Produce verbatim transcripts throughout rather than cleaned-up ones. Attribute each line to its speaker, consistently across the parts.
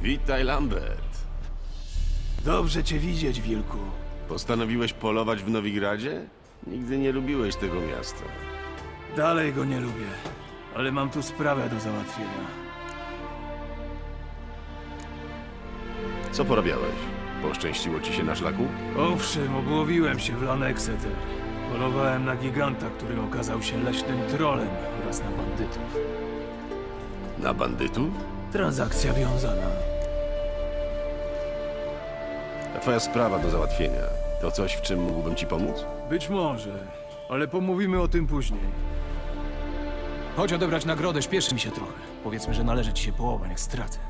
Speaker 1: Witaj, Lambert.
Speaker 2: Dobrze cię widzieć, wilku.
Speaker 1: Postanowiłeś polować w Nowigradzie? Nigdy nie lubiłeś tego miasta.
Speaker 2: Dalej go nie lubię, ale mam tu sprawę do załatwienia.
Speaker 1: Co porabiałeś? Poszczęściło ci się na szlaku?
Speaker 2: Owszem, obłowiłem się w Lanexeter. Polowałem na giganta, który okazał się leśnym trolem oraz na bandytów.
Speaker 1: Na bandytów?
Speaker 2: Transakcja wiązana.
Speaker 1: A twoja sprawa do załatwienia. To coś, w czym mógłbym ci pomóc?
Speaker 2: Być może, ale pomówimy o tym później. Chodź odebrać nagrodę, śpieszy mi się trochę. Powiedzmy, że należy ci się połowa, niech stracę.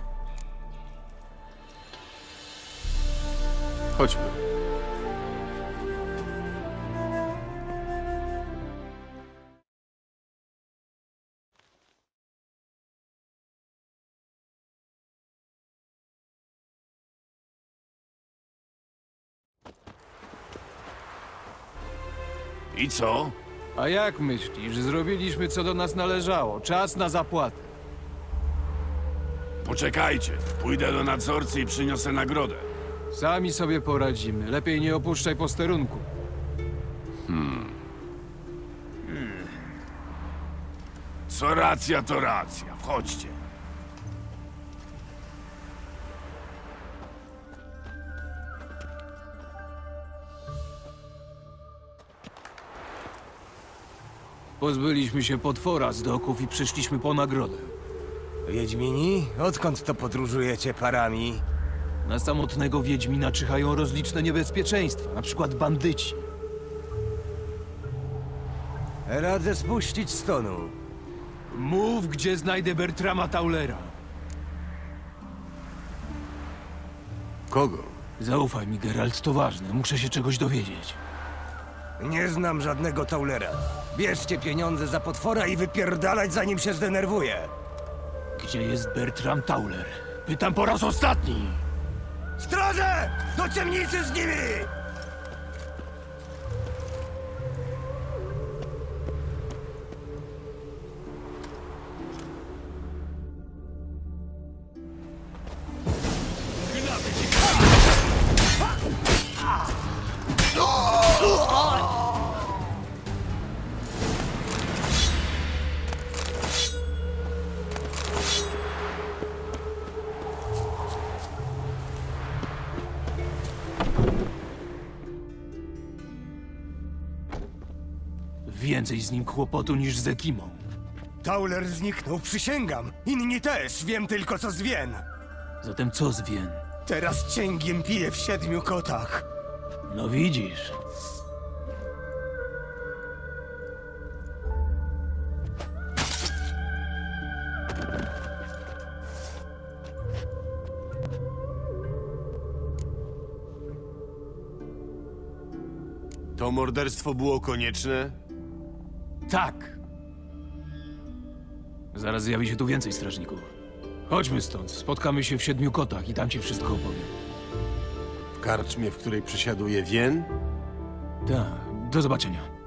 Speaker 1: Chodźmy.
Speaker 3: I co?
Speaker 2: A jak myślisz? Zrobiliśmy, co do nas należało. Czas na zapłatę.
Speaker 3: Poczekajcie. Pójdę do nadzorcy i przyniosę nagrodę.
Speaker 2: Sami sobie poradzimy. Lepiej nie opuszczaj posterunku.
Speaker 3: Co racja, to racja. Wchodźcie.
Speaker 2: Pozbyliśmy się potwora z doków i przyszliśmy po nagrodę.
Speaker 4: Wiedźmini? Odkąd to podróżujecie parami?
Speaker 2: Na samotnego Wiedźmina czyhają rozliczne niebezpieczeństwa, na przykład bandyci.
Speaker 4: Radzę spuścić stonu.
Speaker 2: Mów, gdzie znajdę Bertrama Taulera.
Speaker 1: Kogo?
Speaker 2: Zaufaj mi, Geralt, to ważne. Muszę się czegoś dowiedzieć.
Speaker 4: Nie znam żadnego Taulera. Bierzcie pieniądze za potwora i wypierdalać, zanim się zdenerwuje.
Speaker 2: Gdzie jest Bertram Tauler? Pytam po raz ostatni!
Speaker 4: Straże! Do ciemnicy z nimi!
Speaker 2: Więcej z nim kłopotu niż z Ekimą.
Speaker 4: Tauler zniknął, przysięgam. Inni też, wiem tylko co zwien.
Speaker 2: Zatem co z Wien?
Speaker 4: Teraz cięgiem piję w siedmiu kotach.
Speaker 2: No widzisz.
Speaker 1: To morderstwo było konieczne?
Speaker 2: Tak. Zaraz zjawi się tu więcej strażników. Chodźmy stąd. Spotkamy się w Siedmiu Kotach i tam ci wszystko opowiem.
Speaker 1: W karczmie, w której przysiaduje Wien?
Speaker 2: Tak. Do zobaczenia.